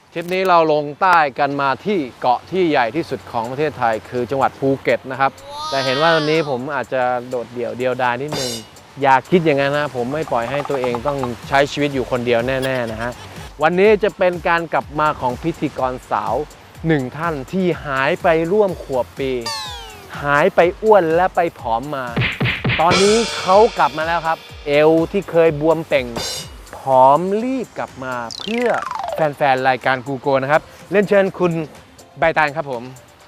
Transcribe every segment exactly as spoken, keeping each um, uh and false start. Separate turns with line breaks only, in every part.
ทริปนี้เราลงใต้กันมาที่เกาะที่ใหญ่ที่สุดของประเทศไทยคือจังหวัดภูเก็ตนะครับแต่เห็นว่าวันนี้ผมอาจจะโดดเดี่ยวเดียวดายนิดนึงอย่าคิดอย่างนั้นนะผมไม่ปล่อยให้ตัวเองต้องใช้ชีวิตอยู่คนเดียวแน่ๆนะฮะวันนี้จะเป็นการกลับมาของพิธีกรสาวหนึ่งท่านที่หายไปร่วมขวบปีหายไปอ้วนและไปผอมมาตอนนี้เขากลับมาแล้วครับเอวที่เคยบวมเป่งผอมรีบกลับมาเพื่อแฟนๆรายการกูโกนะครับเล่นเชิญคุณใบตาลครับผม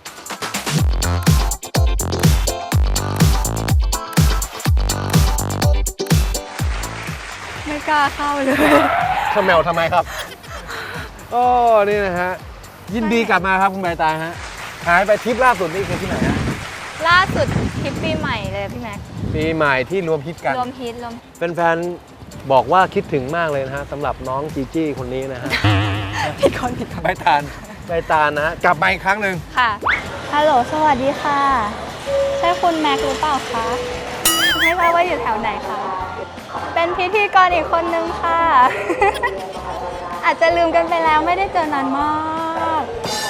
ไม่กล้าเข้าเลย
ขมแมวทำไมครับโอ้นี่นะฮะยินดีกลับมาครับคุณใบตาลฮะหายไปทริปล่าสุดนี่คือที่ไหนฮะ
ล่าสุดทริปปีใหม่เลยพี่แม็ก
ปีใหม่ที่รวมฮิตกัน
รวมฮิตรวม
แฟนๆบอกว่าคิดถึงมากเลยนะฮะสำหรับน้องจีจี้คนนี้นะฮะ
ผิดคนผิดคน
ใบตาลใบตาลนะฮะกลับมาอีกครั้งหนึ่ง
ค่ะฮัลโหลสวัสดีค่ะใช่คุณแม็กหรือเปล่าคะไม่ทราบว่าอยู่แถวไหนคะเป็นพิธีกรอีกคนนึงค่ะ อาจจะลืมกันไปแล้วไม่ได้เจอนานมาก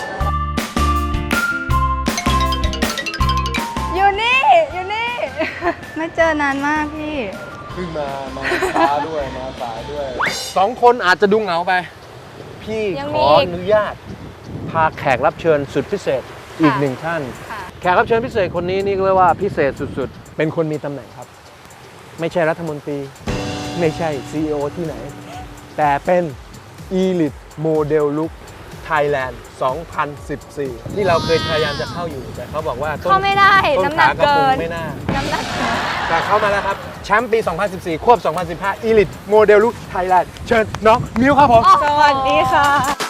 อยู่นี่อยู่นี่ ไม่เจอนานมากพี่
ขึ้นมามาช้าด้วยมาสายด้วยสองคนอาจจะดูเหงาไปพี่ขออนุญาตพาแขกรับเชิญสุดพิเศษอีกหนึ่งท่านแขกรับเชิญพิเศษคนนี้นี่เรียกว่าพิเศษสุดๆเป็นคนมีตำแหน่งครับไม่ใช่รัฐมนตรีไม่ใช่ ซี อี โอ ที่ไหนแต่เป็น Elite Model Look Thailand สองพันสิบสี่ ที่เราเคยพยายามจะเข้าอยู่แต่เขาบอกว่า
เข้าไม่ได้น้ำหนักเกิน
ไม่น่า
น้ำหนักเกิน
แต่เข้ามาแล้วครับแชมป์ปี สองพันสิบสี่ ควบ สองพันสิบห้า Elite Model Look Thailand เชิญน้องมิวครับผม
สวัสดีค่ะ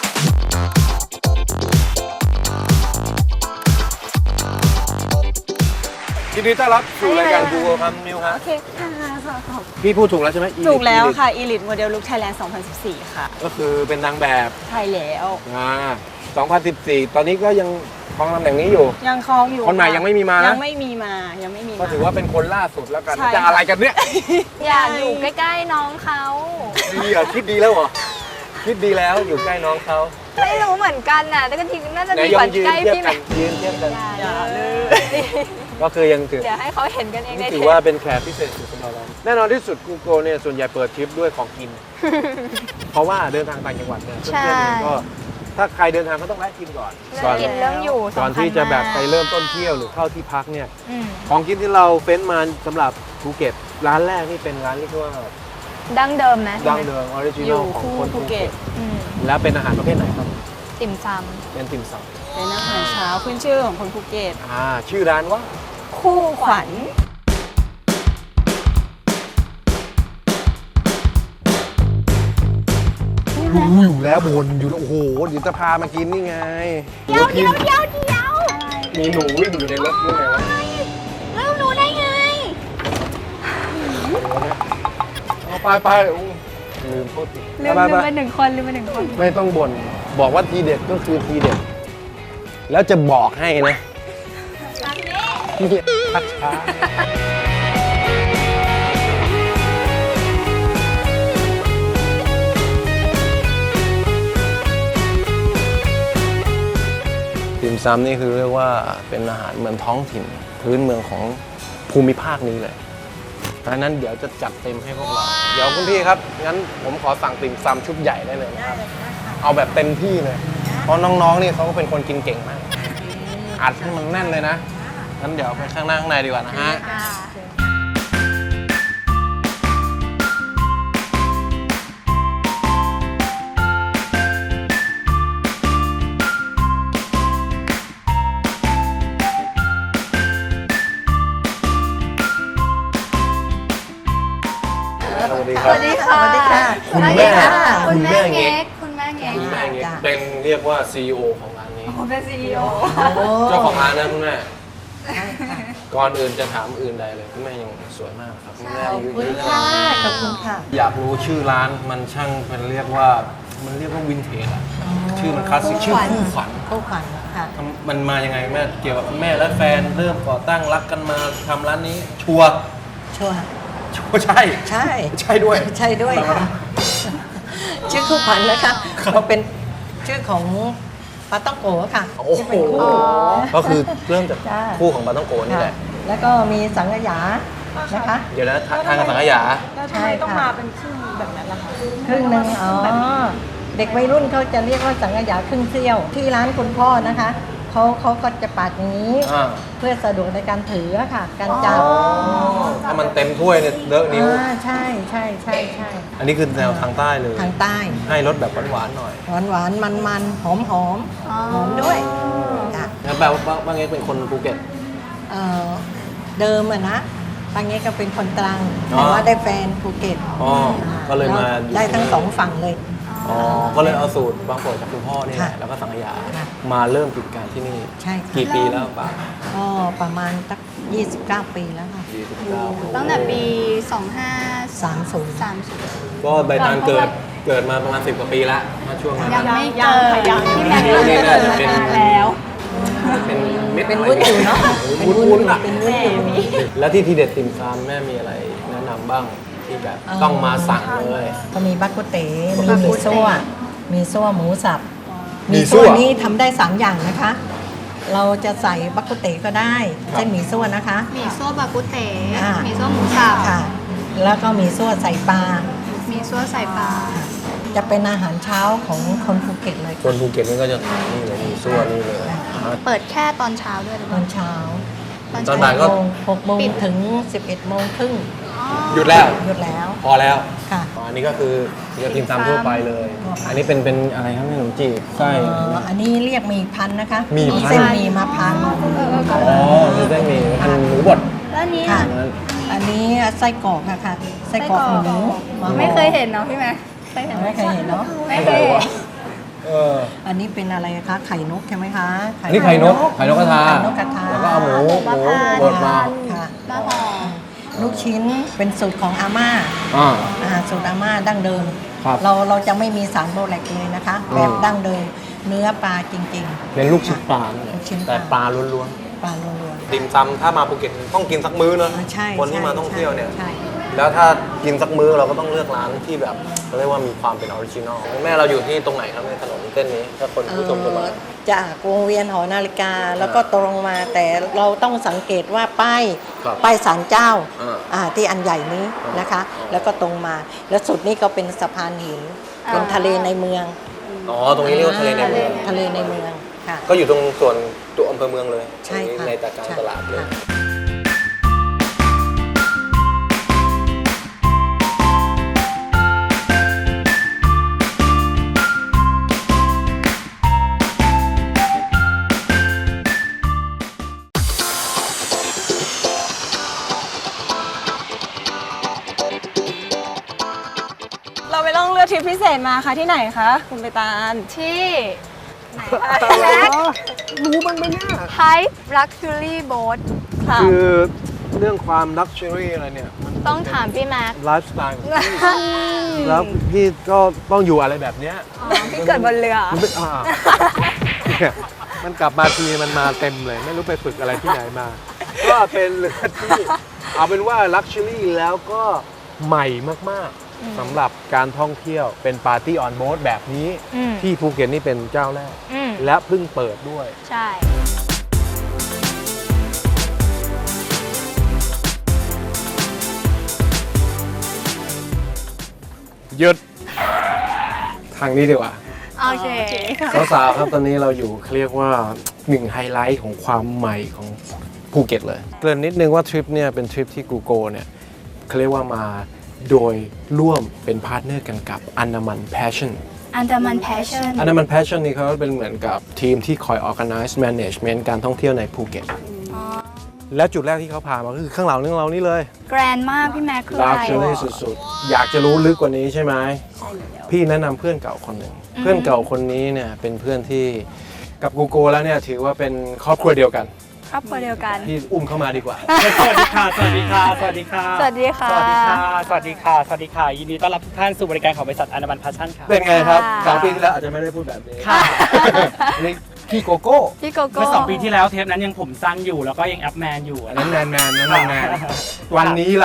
ยินดีต้อนรับสู่รายการกูโกครับมิวครับ
โอเคค่ะ
พี่พูดถูกแล้วใช่ไหม
ถูกแล้วค่ะ Elite Model Look Thailand สองพันสิบสี่ ค่ะ
ก็คือเป็นนางแบบ
ใช่แล้ว
อ่าสองพันสิบสี่ ตอนนี้ก็ยังครองตำแหน่งนี้อยู่
ยังครองอยู่
คนใหม่ยังไม่มีมานะ
ยังไม่มีมายังไม่มีมา
ก็ถือว่าเป็นคนล่าสุดแล้วกันจะอะไรกันเนี่ย
อยากอยู่ใกล้ๆน้องเขา
ดีเหรอคิดดีแล้วเหรอคิดดีแล้วอยู่ใกล้น้องเขา
ไม่รู้เหมือนกันน่ะแต่ก็ทีน่าจะดีกว่าใกล้พี่แม็ก
ยืนเทียบกัน
อย่าเลย
ก็คือยังถือ
เดี๋ยวให้เขาเห็นกันเองได้
ถือว่าเป็นแขกพิเศษสุดสำหรับเราแน่นอนที่สุดกูโกเนี่ยส่วนใหญ่เปิดทริปด้วยของกินเพราะว่าเดินทางต่างจังหวัดเนี่ยเพื่อนๆก็ถ้าใครเดินทางก็ต้องแวะกินก่อน
ก่อนกินเรื่องอยู่
ก่อนที่จะแบบไปเริ่มต้นเที่ยวหรือเข้าที่พักเนี่ยของกินที่เราเฟ้นมาสำหรับภูเก็ตร้านแรกนี่เป็นร้านที่เรียกว่า
ดั้งเดิมไหม
ดั้งเดิมออริจินอลของคนภูเก็ตแล้วเป็นอาหารประเภทไหนครับ
ติ่มซำ
เป็นติ่มซ
ำเป็นอาหารเช้าขึ้นชื่อของคนภูเก็ต
อ่าชื่อร้านว่า
คู่ขวัญ
รู้อยู่แล้วบนอยู่โอ้โหเดี๋ยวจะพามากินนี่ไง
เดี๋ยวเดี๋ยวเดี๋ยวเดี๋ยว
มีหนูวิ่งอยู่ในรถด้วยไงวะ
แล้วหนูได้ไง
เอาไปไปลืมพูด
ลืมลืมไปหนึ่งคนลืมไปหนึ่งคน
ไม่ต้องบ่นบอกว่าทีเด็ดก็คือทีเด็ดแล้วจะบอกให้นะที่พัดช้าติ่มซำนี่คือเรียกว่าเป็นอาหารเมืองท้องถิ่นพื้นเมืองของภูมิภาคนี้เลยเพราะนั้นเดี๋ยวจะจัดเต็มให้พวกเราเดี๋ยวคุณพี่ครับงั้นผมขอสั่งติ่มซำชุดใหญ่ได้เลยนะครับเอาแบบเต็มที่เลยเพราะน้องๆนี่เขาก็เป็นคนกินเก่งมากอัดให้มันแน่นเลยนะงั้นเดี๋ยวไปข้างหน้าข้างในดีกว่านะฮะสวัสดีค่ะ
สวัสดีค่ะ
คุณแม่
คุณแม่เง็กคุณแม่เง็ก
คุณแม่เง็กเป็นเรียกว่า ซี อี โอ ของร้านนี้
เป็น ซี อี โอ
เจ้าของร้านนะคุณแม่ก่อนอื่นจะถามอื่นใดเลยคุณแม่ยังสวยมากครับคุณแม่อายุเยอะขนาดนี้
ขอบคุณค่ะ
อยากรู้ชื่อร้านมันช่างเป็นเรียกว่ามันเรียกว่าวินเทจอะชื่อมันคลาสสิกชื่อคู่ขวัญ
คู่ขวัญค่ะ
มันมายังไงแม่เกี่ยวกับแม่และแฟนเริ่มก่อตั้งรักกันมาทำร้านนี้ชัวร์
ชัวร์
ชัวร์ใช่
ใช่
ใช่ด้วย
ใช่ด้วยค่ะชื่อคู่ขวัญนะคะเราเป็นชื่อของปาต้องโกค่ะ
โอ้
ที่
โห
เป็นคู่
ก็คือเริ่มจาก
จ้า
คู่ของปาต้องโกนี่แหละ
แล้วก็มีสังขยานะคะ
เดี๋ยวนะทางกับสังขยา
แล้วทำไมต้องมาเป็นครึ่งแบบนั้นล่ะคะครึ่งหนึ่งอ๋อเด็กวัยรุ่นเขาจะเรียกว่าสังขยาครึ่งเสี้ยว ที่ร้านคุณพ่อนะคะเขาเขาก็จะปาดอย่างนี้
อ่า
เพื่อสะดวกในการถือค่ะ การจับ
ถ้ามันเต็มถ้วยเนี่ยเลอะนิ้ว
อ่าใช่ใช่ใช่ใช่
อันนี้คือแนวทางใต้เลย
ทางใต้
ให้รสแบบหวานๆหน่อย
หวานหวานมันมันหอมหอมหอมด้วยจ้ะ
งั้นแปลว่าป้าเง็กเป็นคนภูเก็ต
เอ่อเดิมอะนะปางเงี้ก็เป็นคนตรัง
อ๋อ
แต่ว่าได้แฟนภูเก็ต
อ๋อก็เลยมา
แล้วได้ทั้งสองฝั่งเลย
อ๋อ ก็เลยเอาสูตรบางโปรดจากคุณพ่อนี่แหละ
ค่ะ
แล้วก็สังขยา
ค่ะ
มาเริ่มกิจการที่นี่
ใช่ค่ะ
กี่ปีแล้วป้า
ก็ประมาณสักยี่สิบเก้าปีแล้วค่ะ
ยี่สิบเก้า
ตั้งแต่ปี สองห้า
สามศูนย์
สามสิบ
ก็ใบตานเกิดเกิดมาประมาณสิบกว่าปีแล้วมาช่วงนั้น
ยังไม่เกิดพี่แม็ก
นี่
ซ์
นี่
เกิ
น่า
ด
จะ
มา
เป็น
นานแล้ว
เป็นเม็ด
เป็นวุ้นอยู่เนาะ
วุ้นวุ้นอ่ะ
เป็นวุ้นอยู่
แล้วที่ทีเด็ดติ่มซำแม่มีอะไรแนะนำบ้างที่แบบต้องมาสั่งเลย
ก็มีบักกุเต๋มี
บัก
ห
กุ
มี่
เต๋
ซั่วมีซั่วหมูสับ
หมี่
มี
ซั่
ซั่
ว
วนี้ทำได้สามอย่างนะคะ เราจะใส่บักกุเต๋ก็ได้เช่นหมี่ซั่วนะคะ
หมี่ซั่วบากุเต๋
อ่า
หมี่ซั่วหมูสับ
ค่ะ แล้วก็มีซั่วใส่ปลา
หมี่ซั่วใส่ปลา
จะเป็นอาหารเช้าของคนภูเก็ตเลย
คนภูเก็ตนี่ก็จะนี่เลยมีซั่วนี่เลย
เปิดแค่ตอนเช้าด้วยหรือ
ต
เป
อ
ล่าน
เช้า
ตอนบ่ายก็
หกโมง
ปิด
ถึงสิบเอ็ดโมงครึ่ง
อ๋อ
หยุดแล้ว
หยุดแล้ว
พอแล้ว
ค่ะ
อ๋ออันนี้ก็คือเรียกติ่มซำทั่วไปเลย อันนี้เป็นเป็นอะไรครับขนมจีบไส้
เอ่ออันนี้เรียกหมีพันธุ์นะคะ
หมี่พันธุ์
เส้นหมีมาพัน
เออเออก็
อ๋อนี่ไส้หมี่พันหมูบด
แล้วนี้
ค่ะ
อ่ะ
อันนี้ไส้กรอกค่ะค่ะไส้กรอกหมูา
ไม่เคยเห็นเนาะพี่แม่เคยเห็นห
ไม่เคยเห็นเนาะ
ไม่เคยเห็น
เออ
อันนี้เป็นอะไรคะไข่นกใช่ไหมคะ
อันนี้ไข่นกไข่นกกระทา
ไข่นกกระทา
แล้วก็เอาหมูหมูบดมา
ค่ะ
มาห่อ
ลูกชิ้นเป็นสูตรของอาม่า
อ่า
อาหารสูตรอาม่าดั้งเดิม
ครับ
เราเราจะไม่มีสารโบแลกเลยนะคะ
อืม
แบบดั้งเดิมเนื้อปลาจริง
เป็นลูกชิ้นปลานั่นแหละ
ลูกชิ้นปลา
แต่ปลาล้วน
ๆ ปลาล้วน
ๆติ่มซำถ้ามาภูเก็ตต้องกินสักมื้อเนอะ
ๆอ่าใช่
คนที่
ใช่
มาท่องเที่ยวเนี่ย
ใช่
แล้วถ้ากินสักมื้อเราก็ต้องเลือกร้านที่แบบเขาเรียกว่ามีความเป็นออริจินอลแม่เราอยู่ที่ตรงไหนครับในถนนเส้นนี้ถ้าคนผู้ชมจะมา
เอ่อจากวงเวียนหอนาฬิกาแล้วก็ตรงมาแต่เราต้องสังเกตว่าป้าย
ครับ
ป้ายศาลเจ้า
อ่า
อ่าที่อันใหญ่นี้นะคะ แล้วก็ตรงมา แล้วสุดนี้ก็เป็นสะพานหิน เป็นทะเลในเมือง
อ๋อตรงนี้เรียกว่าทะเลในเมือง
ทะเลในเมืองค่ะ
ก็อยู่ตรงส่วนตัวอำเภอเมืองเลย
ใช่ค่ะ
ในตากลาง
ใช่
ตลาดเลย
ค่ะ
เราไปล่องเรือทริปพิเศษมาค่ะที่ไหนคะคุณใบตาล
ที่ไหนคะพี่แม็ก
รู้บ้างไหมเนี่ย
Hype Luxury Boat
ค่ะ
คือเรื่องความลักชัวรี่อะไรเนี่ยมัน
ต้องถามพี่แม็ก
ไลฟ์สไตล์ของพี่แล้วพี่ก็ต้องอยู่อะไรแบบเนี้ย
พี่เกิดบนเรือ
มันเป็นอ่าเนี่ยมันกลับมาทีมันมาเต็มเลย ไม่รู้ไปฝึกอะไรที่ไหนมา ก็เป็นเรือที่เอาเป็นว่าลักชัวรี่แล้วก็ใหม่มากๆสำหรับการท่องเที่ยวเป็นปาร์ตี้ออนโบ๊ทแบบนี้
อืม
ที่ภูเก็ตนี่เป็นเจ้าแรก
อืม
และเพิ่งเปิดด้วย
ใช่
หยุดทางนี้ดีกว่า
โอเค
สาวๆครับตอนนี้เราอยู่เรียกว่าหนึ่งไฮไลท์ของความใหม่ของภูเก็ตเลย เกริ่นนิดนึงว่าทริปเนี่ยเป็นทริปที่กูโกเนี่ยเขาเรียกว่ามาโดยร่วมเป็นพาร์ทเนอร์กันกับอันดามันแพชชั่น
อันดามันแพชชั่น
อันดามันแพชชั่นนี่เขาเป็นเหมือนกับทีมที่คอย organize management การท่องเที่ยวในภูเก็ต และจุดแรกที่เขาพามาก็คือข้างหลังเรื่องเรานี่เลย
แกรนมากพี่แม็กคือ
ลั
อะ
ก
ไร
ชัวรี่สุดๆ อยากจะรู้ลึกกว่านี้ใช่ไหม พี่แนะนำเพื่อนเก่าคนหนึ่ง เพื่อนเก่าคนนี้เนี่ยเป็นเพื่อนที่กับกูโกแล้วเนี่ยถือว่าเป็นครอบครัวเดียวกัน
ครอบครัวเดียวกัน
พี่อุ้มเข้ามาดีกว่า
สวัสดีค่ะ สวัสดีค่ะ สวัสดีค่ะ
สวัสดีค่ะ
สวัสดีค่ะ สวัสดีค่ะ สวัสดีค่ะ ยินดีต้อนรับทุกท่านสู่บริการของบริษัทอนามันพาชั่นค่ะ
เป็นไงครับ
ค่ะ
สองปีที่แล้วอาจจะไม่ได้พูดแบบนี้
ค่ะ
นี่พี่โกโก้
พี่โกโก้
เมื่อสองปีที่แล้วเทปนั้นยังผมสั้นอยู่แล้วก็ยังแอปแมนอยู่
อันนั้นแมนแมนนั้นแมนแมนวันนี้ล่ะ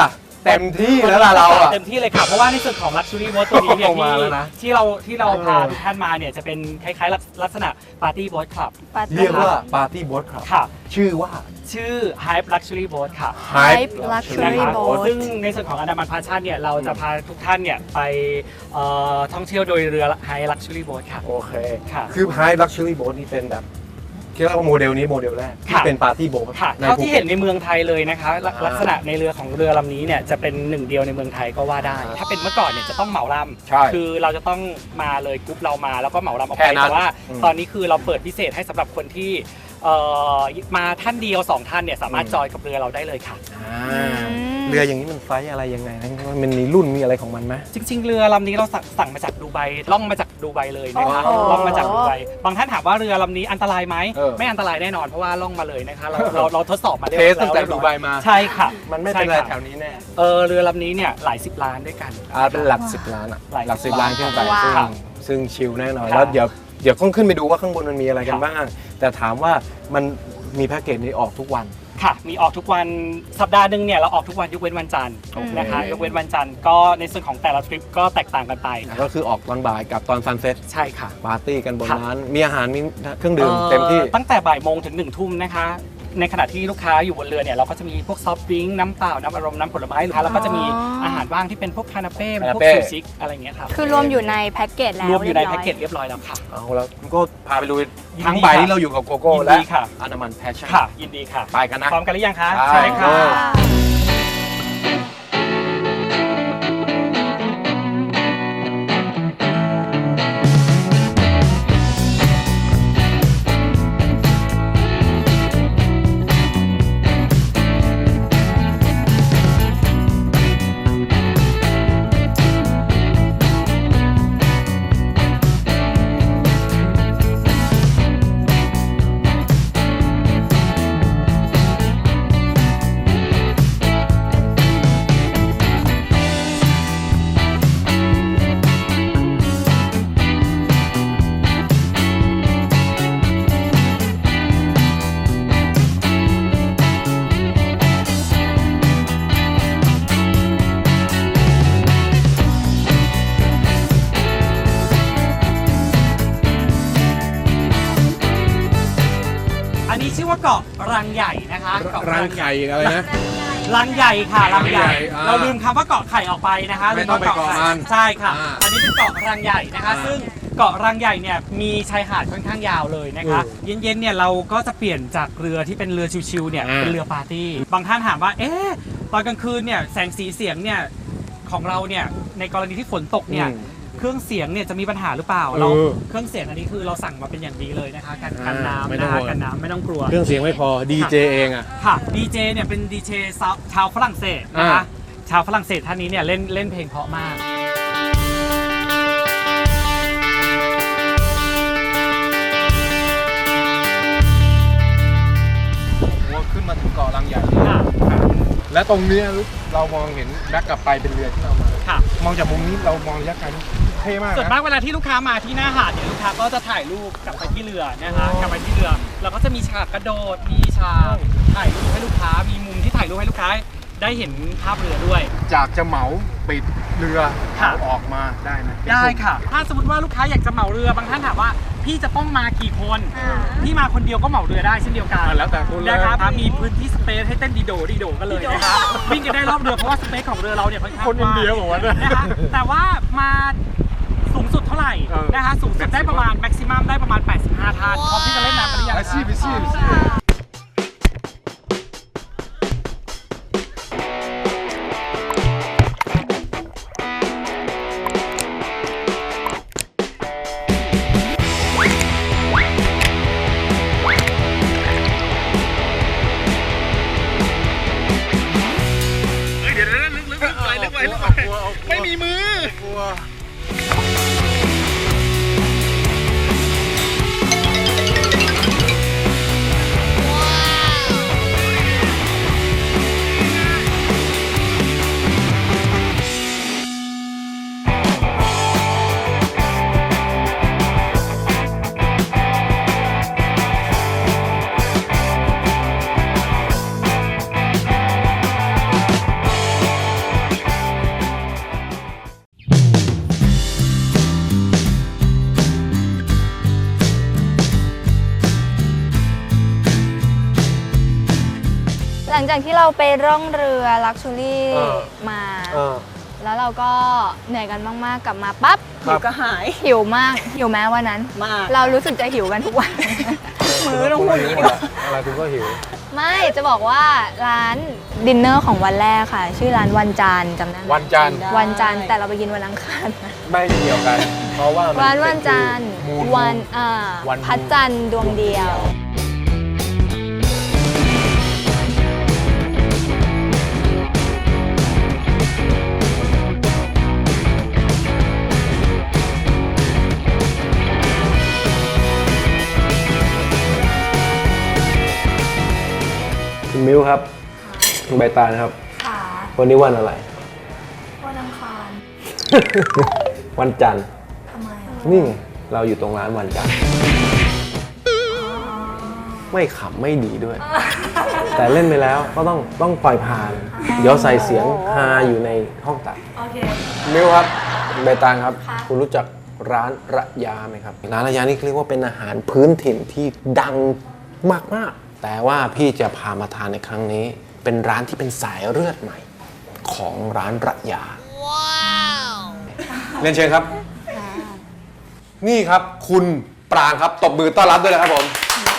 เต็มที่แล้วล่ะเราอะ
เต็มที่เลยค่ะเพราะว่าในส่วนของ Luxury Boat ตัวนี้เนี่ย
ออกมา
ที่
แล้วนะ
ที่เราที่เราพา
เออ
ทุกท่านมาเนี่ยจะเป็นคล้ายๆลักษณะ Party Boat Club
ปาร์ตี้
เรียกว่าปาร์ตี้โบ๊ทครับ
ค่ะ
ชื่อว่า
ชื่อ Hype Luxury Boat ค่ะ
Hype
นะ
Luxury
คะ
Boat
ซึ่งในส่วนของอันดามันพาชั่นเนี่ยเราจะพาทุกท่านเนี่ยไปเอ่อท่องเที่ยวโดยเรือ Hype Luxury Boat ค่ะ
โอเค
ค่ะ
คือ Hype Luxury Boat นี่เป็นแบบคิดว่าโมเดลนี้โมเดลแรกที่
ค่ะ
เป็นปาร์ตี้โบ๊ท
ค่ะ
ใน
เท่า
ภู
ที่
เก็
เห็
ต
นในเมืองไทยเลยนะคะลัก
อ่า
ลักษณะในเรือของเรือลำนี้เนี่ยจะเป็นหนึ่งเดียวในเมืองไทยก็ว่าได้ ถ้าเป็นเมื่อก่อนเนี่ยจะต้องเหมาล
ใช่
ำคือเราจะต้องมาเลยกรุ๊ปเรามาแล้วก็เหมาลำออก
แค่
ไป
นั้น
แต่ว่า
อืม
ตอนนี้คือเราเปิดพิเศษให้สำหรับคนที่เอ่อมาท่านเดียวสองท่านเนี่ยสามารถ
อืม
จอยกับเรือเราได้เลยค่ะ
อ่าเรืออย่างนี้มันไซส์อะไรยังไงนะมันมีรุ่นมีอะไรของมันไหม
จริง ๆ เรือลำนี้เราสั่งสั่งมาจากดูไบล่องมาจากดูไบเลยนะคะ
โอ้โห
ล่องมาจากดูไบบางท่านถามว่าเรือลำนี้อันตรายไหม
เออ
ไม่อันตรายแน่นอนเพราะว่าล่องมาเลยนะคะเราเราเราทดสอบมาเรียบ
เท
ร้อย
สตั้งแต่
แล้ว
ดูไบมา
ใช่ค่ะ
มันไม่เป็นไร
ใช่ค่ะ
แถวนี้แน่
เออเรือลำนี้เนี่ยหลายสิบล้านด้วยกัน
อ่าเป็นหลักสิบล้านอะ
หลาย
หลักสิบล้านขึ้นไป
ว้าว
ซึ่งซึ่งชิลแน่นอน
ครับ
แล้วเดี๋ยวเดี๋ยวต้องขึ้นไปดูว่าข้างบนมันมีอะไรกัน
ครับ
บ้าง แต่ถามว่ามันมีแพ็กเกจนี้ออกทุกวัน
ค่ะ มีออกทุกวันสัปดาห์หนึ่งเนี่ยเราออกทุกวันยกเว้นวันจันทร์
โอเค
นะคะยกเว้นวันจันทร์ก็ในส่วนของแต่ละทริปก็แตกต่างกันไป
ก็คือออกตอนบ่ายกับตอนซันเซ็ต
ใช่ค่ะ
ปาร์ตี้กันบน
ค่ะ
นั้น มีอาหารมีเครื่องดื่มเต็มที่
อ่อตั้งแต่บ่ายโมงถึงหนึ่งทุ่มนะคะ ในขณะที่ลูกค้าอยู่บนเรือเนี่ยเราก็จะมีพวกซอฟต์ดริงก์น้ำเปล่า น้ำอารมณ์น้ำผลไม้หรือแล้วก็จะมีอาหารว่างที่เป็นพวกคานาเป้เป็นพวก
คานาเป้
ซูชิอะไรอย่างเงี้ยครับ
คือรวมอยู่ในแพ็กเกจแล้ว
รวมอยู่ใน
รีบร้
แพ็กเกจเรียบร้อยแล้วค่ะ
เอาแล้วก็พาไปดู
ยินดี
ทั้งใบ
ค่ะ
ที่เราอยู่กับโกโก้
ยิน
และ
ดีค่ะ
อนามันแพชชั่น
ค่ะ ยินดีค่ะ
ไปกันนะ
พร้อมกันหรือยังคะ
ใช่
ค่ะ
ค่ะ
อันนี้ชื่อว่าเกาะรังใหญ่นะคะเกาะ
รังไข่อะไรนะ
รังใหญ่ค่ะรังใหญ่
รังใหญ่อ่า
เราลืมคำว่าเกาะไข่ออกไปนะคะ
ไม่ต้องไปเกาะมัน
ใช่ค่ะ
อ่า
อันนี้เป็นเกาะรังใหญ่นะคะ
อ่า
ซึ่งเกาะรังใหญ่เนี่ยมีชายหาดค่อนข้างยาวเลยนะคะ
อืม
เย็นๆเนี่ยเราก็จะเปลี่ยนจากเรือที่เป็นเรือชิวๆเนี่ย
อ่า
เป็นเรือปาร์ตี้บางท่านถามว่าเอ๊ะตอนกลางคืนเนี่ยแสงสีเสียงเนี่ยของเราเนี่ยในกรณีที่ฝนตกเนี่ย
อืม
เครื่องเสียงเนี่ยจะมีปัญหาหรือเปล่า
เออ
เราเครื่องเสียงอันนี้คือเราสั่งมาเป็นอย่างดีเลยนะคะกันกัน
อ่าไม่
น้ำ
ต้อ
นะ
ง
คะ
ห่วง
กันน้ำไม่ต้องกลัว
เครื่องเสียงไม่พอดีเจเองอ่ะ
ค่ะดีเจเนี่ยเป็นดีเจชาวฝรั่งเศสนะคะ
อ่า
ชาวฝรั่งเศสท่านนี้เนี่ยเล่นเล่นเพลงเพราะมาก
ว่าขึ้นมาถึงเกาะลังใหญ่
ค่ะ
และตรงเนี้ยเรามองเห็นแบ็กกลับไปเป็นเรือที่เรามา
ค่ะ
มองจากมุมนี้เรามองระยะไกลเท่มาก
ส่วน
นะ
มากเวลาที่ลูกค้ามาที่หน้าหาดเนี่ยลูกค้าก็จะถ่ายรูปกลับไปที่เรือนะคะ
อ๋อ
กลับไปที่เรือเราก็จะมีฉากกระโดดมีฉากถ่ายรูปให้ลูกค้ามีมุมที่ถ่ายรูปให้ลูกค้าได้เห็นภาพเรือด้วย
จากจะเหมาปิดเรือ
ค่ะ
เอาออกมาได้ไหม
ได้ค่ะ ถ้าสมมติว่าลูกค้าอยากจะเหมาเรือบางท่านถามว่าพี่จะต้องมากี่คน
อ่า
พี่มาคนเดียวก็เหมาเรือได้เช่นเดียวกัน
อ่ะแล้วแต่คุณเลย
นะครับมีพื้นที่สเปซให้เต้นดีโดดีโดกันเลยนะครับวิ่งกันได้รอบเรือเพราะว่าสเปซของเรือเราเนี่ยค่อนข้าง
คนอินเดียบอกว่าเนี่ย
นะคะแต่ว่ามาสูงสุดเท่าไหร่
เออ
นะคะสูงสุดได้ประมาณแม็กซิมัมได้ประมาณแปดสิบห้าท่านพร้อมที่จะเล่นน้ำกันหรือยัง
อา
คะ
ชีพอาชีพอาชีพ ไม่มีมือกลัว
หลังจากที่เราไปร่องเรือลักชูรี่
เออ
มา
เออ
แล้วเราก็เหนื่อยกันมากๆกลับมาปั๊บ
ครั
หิ
บ
วก็หาย
หิวมากหิวแม้วันนั้น
มาก
เรารู้สึกจะหิวกันทุกวัน
มือต้องพูดอย่างนี้ดีกว่า
อะไรคุณก็หิว
ไม่จะบอกว่าร้านดินเนอร์ของวันแรกค่ะ ชื่อร้านวันจันทร์จำได้ไหม
วันจันทร์
วันจันทร์แต่เราไปกินวันอังคารนะ
ไม่เกี่ยวกัน เพราะว่ามั
ร้านวันจันทร์
มูล
วันอ่า
วัน
พระจันทร์ดวงเดียว
คุณมิวครับคุณใบตาลครับ
ค่ะ
วันนี้วันอะไร
วันอังคาร
วันจันทร์
ทำไม
นี่ไงเราอยู่ตรงร้านวันจันทร์ไม่ขำไม่ดีด้วย แต่เล่นไปแล้วก็ต้องต้องปล่อยผ่าน เดี๋ยวใส่เสียงฮาอยู่ในห้องตัด
โอเค
มิวครับใบตาลครับ
ค่ะ
คุณรู้จักร้านระยาไหมครับร้านระยานี่เรียกว่าเป็นอาหารพื้นถิ่นที่ดังมากๆ แต่ว่าพี่จะพามาทานในครั้งนี้ เป็นร้านที่เป็นสายเลือดใหม่ ของร้านระยาว้าวเรียนเชิญครับ นี่ครับคุณปรางครับตบมือต้อนรับด้วยนะครับผม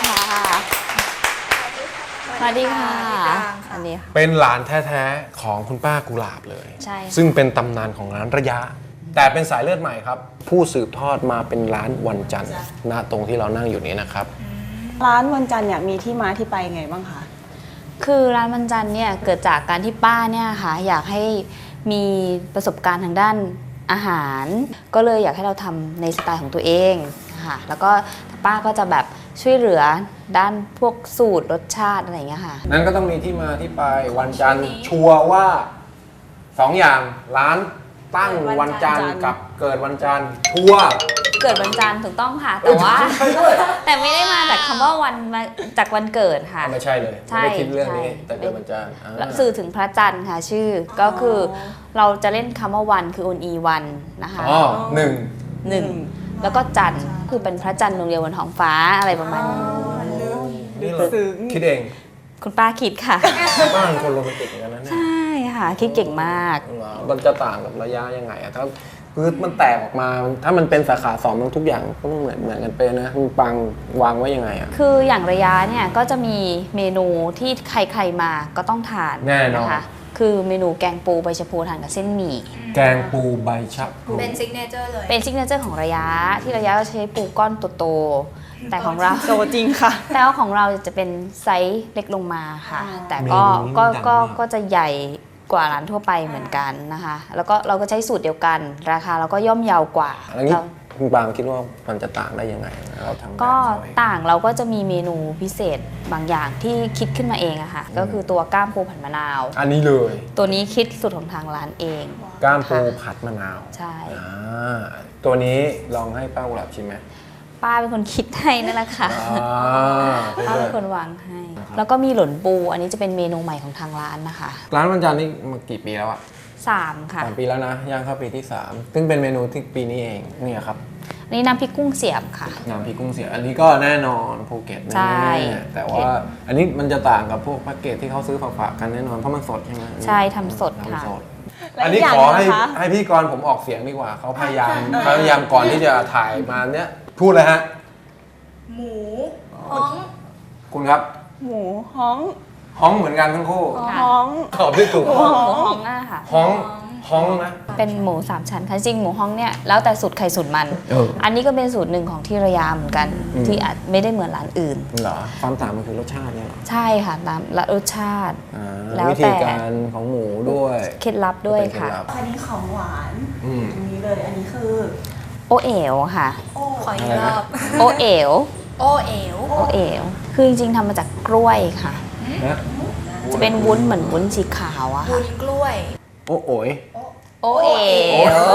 สวัสดีค่ะสวัสดีค่ะ
เป็นหลานแท้ๆของคุณป้ากุหลาบเลย
ใช่ค่ะ
ซึ่งเป็นตำนานของร้านระยะ แต่เป็นสายเลือดใหม่ครับ ผู้สืบทอดมาเป็นร้านวันจันทร์ณตรงที่เรานั่งอยู่นี้นะครับ
ร้านวันจันทร์เนี่ยมีที่มาที่ไปไงบ้างคะ
คือร้านวันจันทร์เนี่ยเกิดจากการที่ป้าเนี่ยค่ะอยากให้มีประสบการณ์ทางด้านอาหาร ก็เลยอยากให้เราทำในสไตล์ของตัวเองค่ะแล้วก็ป้าก็จะแบบช่วยเหลือด้านพวกสูตรรสชาติอะไรอย่างเงี้ยค่ะ
นั้นก็ต้องมีที่มาที่ไปวันจันทร์ชัวร์ว่าสองอย่างร้านตั้งวันจันทร์กับเกิดวันจันทร์ชัวร์
เกิดวันจันทร์ถูกต้องค่ะ แต่ว่า แต่ไม่ได้มาจากคำว่าวันมาจากวันเกิดค่ะ
ไม่ใช่เลย
ใช่
ไม่ได้คิดเรื่องนี้
ใช่
แต่เกิดวันจันทร์อ่า
แล้วสื่อถึงพระจันทร์ค่ะชื่อก็คือเราจะเล่นคำว่าวันคือ on e วันนะคะ
อ๋อหนึ่ง
หนึ่งแล้วก็จันทร์คือเป็นพระจันทร์ดวงเดียวบนท้องฟ้าอะไรประมาณนี้
นี่เราคิดเอง
คุณป้าคิดค่ะ
บ้านคนโรแมนติกเหมือนกันนะเนี่ย
ใช่ค่ะ คิดเก่งมาก
เหรอมันจะต่างกับระยะยังไงอะถ้าคือมันแตกออกมา ถ้ามันเป็นสาขาสองมันทุกอย่างก็ต้องเหมือนเหมือนกันไปนะมันปังวางไว้ยังไงอะ
คืออย่างระยะเนี่ยก็จะมีเมนูที่ใครๆมาก็ต้องทาน
แน่นอน
นะคะคือเมนูแกงปูใบชะพูทานกับเส้นหมี่
แกงปูใบชะพลู
เป็นซิกเนเจอร์เลย
เป็นซิกเนเจอร์ของระยะที่ระยะเราใช้ปูก้อนโตๆแต่ของเรา
โตจริงค่ะ
แต่ว่าของเราจะเป็นไซส์เล็กลงมาค่ะ แต่ก็
เมนูนี้
ก็
มันดัง
ก็
มาก
ก็จะใหญ่กว่าร้านทั่วไปเหมือนกันนะคะ แล้วก็เราก็ใช้สูตรเดียวกัน ราคาเราก็ย่อมเยาวกว่า
อันนี้
เรา
คุณปางคิดว่ามันจะต่างได้ยังไงเราทำแบบ
ก็
เขาเอง
ต่างเราก็จะมีเมนูพิเศษบางอย่างที่คิดขึ้นมาเองอะค่ะ ก็คือตัวก้ามปูผัดมะนาว
อันนี้เลย
ตัวนี้คิดสูตรของทางร้านเอง
ก้ามปู
ค่ะ
ผัดมะนาว
ใช่
อ่าตัวนี้ลองให้ป้ากุหลาบชิมไหม
ป้าเป็นคนคิดให้นั่นแหละค่ะ
อ่า
ป้าเป็นคนวางให้ แล้วก็มีหล่นปู อันนี้จะเป็นเมนูใหม่ของทางร้านนะคะ
ร้านวันจันทร์นี่มากี่ปีแล้วอะ
สามค่ะ
สามปีแล้วนะย่างเข้าปีที่สามซึ่งเป็นเมนูที่ปีนี้เองเนี่ยครับ
อันนี้น้ำพริกกุ้งเสียบค่ะ
น้ำพริกกุ้งเสียอันนี้ก็แน่นอนภูเก็ตแน่
ใช่
ๆแต่ว่าอันนี้มันจะต่างกับพวกแพ็กเกจที่เขาซื้อฝากๆกันแน่นอนเพราะมันสดใช่ไหม
ใช่ทำสดค่ะ
ทำสด
และ
อันนี้
อีกอย่าง
ขอให้
หนึ่งนะคะ
ให้พี่กรณ์ผมออกเสียงดีกว่าเขาพยายามเขาพยายามก่อนที่จะถ่ายมาเนี้ยพูดเลยฮะ
หมูฮ้อง
คุณครับ
หมูฮ้อง
ฮ้องเหมือนกันทั้งคู่
ฮ้อง
ตอบได้ถูก
หมูฮ้องอะค่ะ
ฮ้องฮ้องนะ
เป็นหมูสามชั้นค่ะจริงหมูฮ้องเนี่ยแล้วแต่สูตรใครสูตรมัน
เออ
อันนี้ก็เป็นสูตรหนึ่งของที่ระยาเหมือนกัน
อืม
ที่อาจไม่ได้เหมือนร้านอื่น
เหรอความต่างมันคือรสชาติเนี่ยเหรอ
ใช่ค่ะตามรสชาติ
อ่า
แล้ว
วิ
แต่
ธีการของหมูด้วย
เคล็ดลับด้วย
เป็นเคล็
ค่ะ
ลับ
อันนี้ของหวาน
อืม
อันนี้เลย อันนี้คือ
โอเอ๋วค่ะ
ขออีกรอบ
โอเอ๋ว
โอเอ๋ว
โอเอ๋วคือจริงๆทำมาจากกล้วยค่ะ
นะ
จะเป็นวุ้นเหมือนวุ้นสีขาวอะ
บุ
ค่ะ
ญกล้วย
โอ้โอย
โอเอ๋ว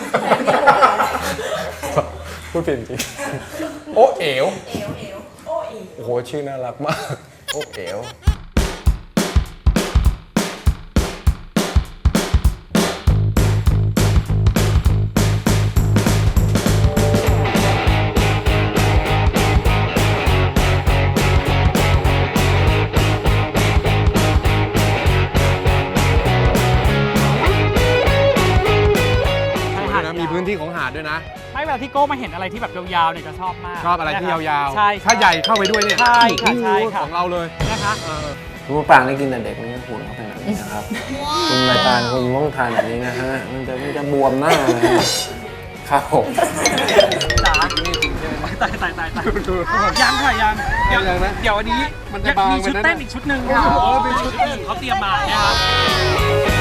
พูดผิดจริงโอเอ๋วโอ้โหชื่อน่ารักมากโอเอ๋วด้วยนะ
ไม่เวลาที่โก้มาเห็นอะไรที่แบบยาวๆเนี่ยจะชอบมาก
ชอบอะไรที่ยาวๆ
ใช่
ถ้าใหญ่เข้าไปด้วยเนี่ย
ใช่ค่ะใช่ค่ะ
ของเราเลย
นะคะ
คุณมะปรางได้กินแต่เด็กมันจะหุ่นเขาเป็นแบบนี้นะครับ คุณนายตาลคุณต้องทานแบบนี้นะฮะ มันจะมันจะบวมหน้าเลยครับผม
จ๋าตายตายตายตายยังค่ะยังเดี๋ยว
ยังนะ
เดี๋ยววันนี้
มันจะบาง
มีชุด
ไปนะ
เต้นอีกชุดหนึ่งค่ะ
โอ้โหเป็นชุดเต้น
เขาเตรียมมานะครับ